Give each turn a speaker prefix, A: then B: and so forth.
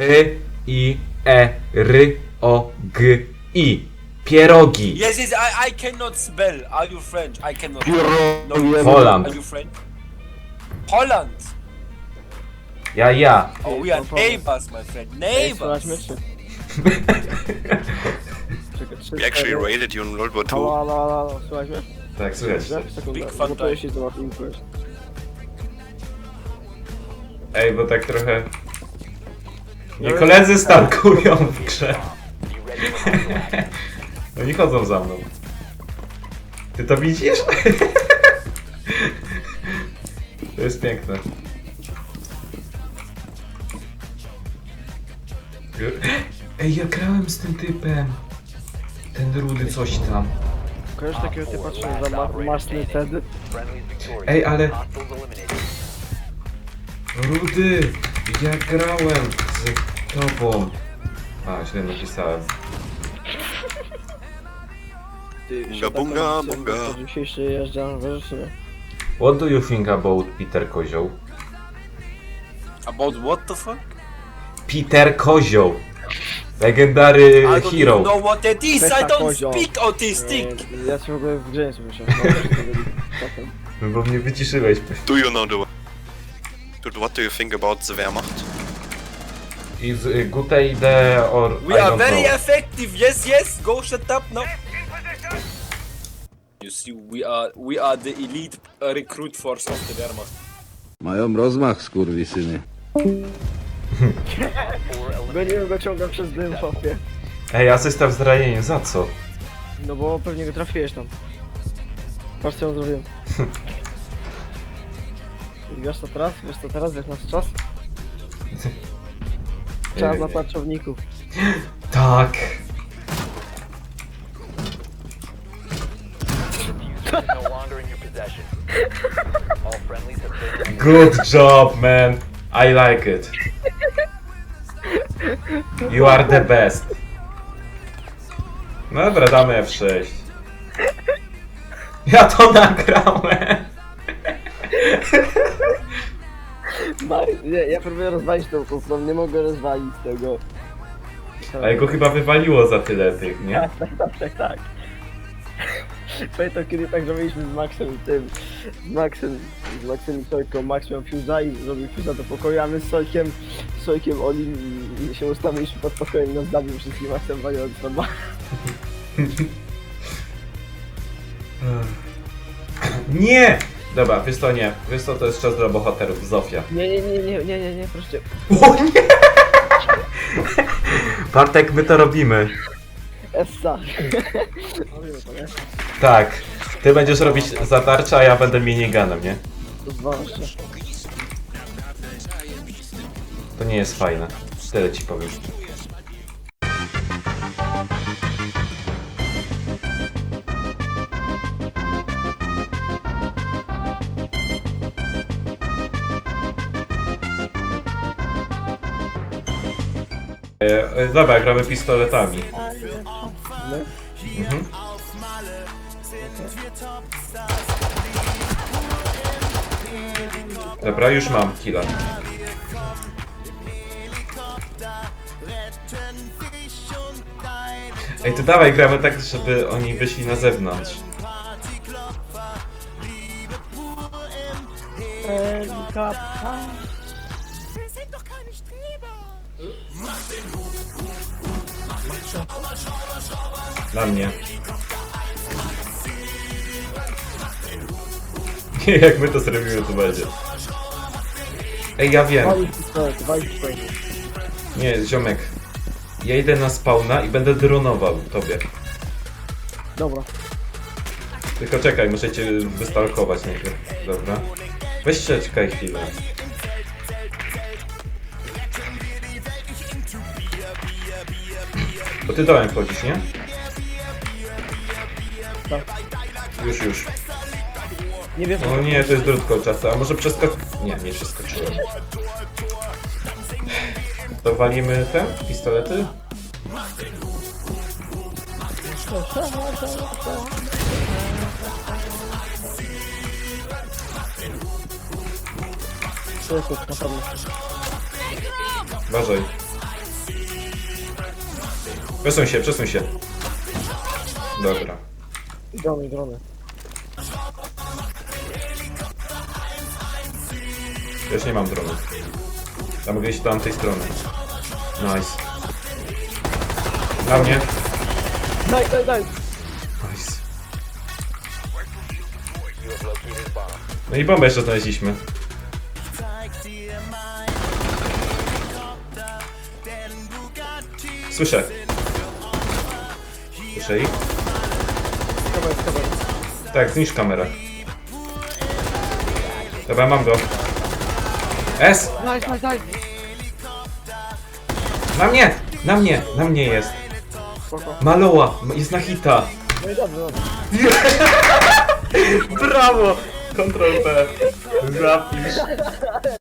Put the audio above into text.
A: P-I-E-R-O-G-I. Pierogi.
B: Yes, yes, I cannot spell. Are you French? I cannot. No,
A: Holland.
B: Are you French? Holland.
A: Ja.
B: Oh, we are neighbors, my friend. Neighbors.
C: We actually raided you in World War II.
D: Halo, słuchaj mnie?
A: Tak, słychać.
B: Big
D: Sekundę,
B: fan
D: gotuję
B: time.
D: się do info.
A: Ej, bo tak trochę... Nie koledzy stalkują w grze. Oni chodzą za mną. Ty to widzisz? To jest piękne. Ej, ja grałem z tym typem. Ten rudy coś tam.
D: Kojarzysz takiego typa, co się za masny wtedy?
A: Ej, ale... Rudy, ja grałem z tobą. A, źle napisałem.
C: Bunga, bunga.
D: Dzisiejszy jeżdżam, wiesz, czy nie?
A: What do you think about Peter Kozioł?
B: About what the fuck?
A: Peter Kozioł! Legendary
B: I don't even
A: hero.
B: know what that is.
D: Pesta
B: I don't
D: kozioł.
B: speak autistic.
D: Ja się w ogóle w grze nie słyszę.
A: No bo mnie wyciszyłeś.
C: Do you know the... Dude, what do you think about the Wehrmacht?
A: Is good idea or I
B: We are
A: don't
B: very
A: know.
B: effective. Yes, yes. Go shut up now. You see, we are the elite recruit force of the Wehrmacht.
E: Mają rozmach, skurwysyny.
D: Goniłem go, ciągam przez dym, chłopie.
A: Ej, asysta w zranieniu, za co?
D: No bo pewnie go trafiłeś tam. Patrz co on zrobiłem. Wiesz co teraz? Wiesz co teraz? Jak nasz czas? Czas na tarczowników.
A: Tak. Good job, man. I like it. You are the best. No dobra, damy F6. Ja to nagrałem.
D: Nie, ja próbuję rozwalić tą kufrą, nie mogę rozwalić tego.
A: A jego chyba wywaliło za tyle tych, nie?
D: Tak. Pamiętam kiedy tak zrobiliśmy z Maxem i tym. Z Maxem i Sojką. Max miał fuse'a i zrobił fuse'a do pokoju, a my z Sojkiem Olim i się ustawiliśmy pod pokojem i nas zabił wszystkich Maxem waliąc na dwa.
A: Nie! Dobra, wiesz co, nie. Wiesz co, to jest czas dla bohaterów. Zofia.
D: Nie, proszę.
A: O nie! Bartek, my to robimy.
D: Essa.
A: Tak. Ty będziesz robić zatarcia, a ja będę miniganem, nie?
D: To zwłaszcza.
A: To nie jest fajne. Tyle ci powiem. Dobra, gramy pistoletami. Mhm. Dobra, już mam killa. Ej, to dawaj, gramy tak, żeby oni wyszli na zewnątrz. Dla mnie. Nie, jak my to zrobimy, to będzie. Ej, ja wiem.
D: Walić pistolet.
A: Nie, ziomek. Ja idę na spawna i będę dronował tobie.
D: Dobra.
A: Tylko czekaj, muszę cię wystalkować najpierw. Dobra. Weź czekaj chwilę. Bo ty dołem wchodzisz, nie?
D: Tak.
A: Już.
D: Nie wiem.
A: O nie, to jest drutko czasu, a może nie przeskoczyłem. To walimy te pistolety?
D: To jest na pewno.
A: Uważaj. Przesuń się. Dobra.
D: Drony.
A: Ja już nie mam dronu. Ja mogę iść do tamtej strony. Nice. Na mnie.
D: Daj.
A: Nice. No i bombę jeszcze znaleźliśmy. Słyszę ich?
D: Kamer.
A: Tak, zniszcz kamerę. Dobra, mam go. S!
D: Daj.
A: Na mnie jest.
D: Spoko.
A: Maloła, jest na hita.
D: No i dobrze.
A: Brawo! Ctrl P. Zapisz.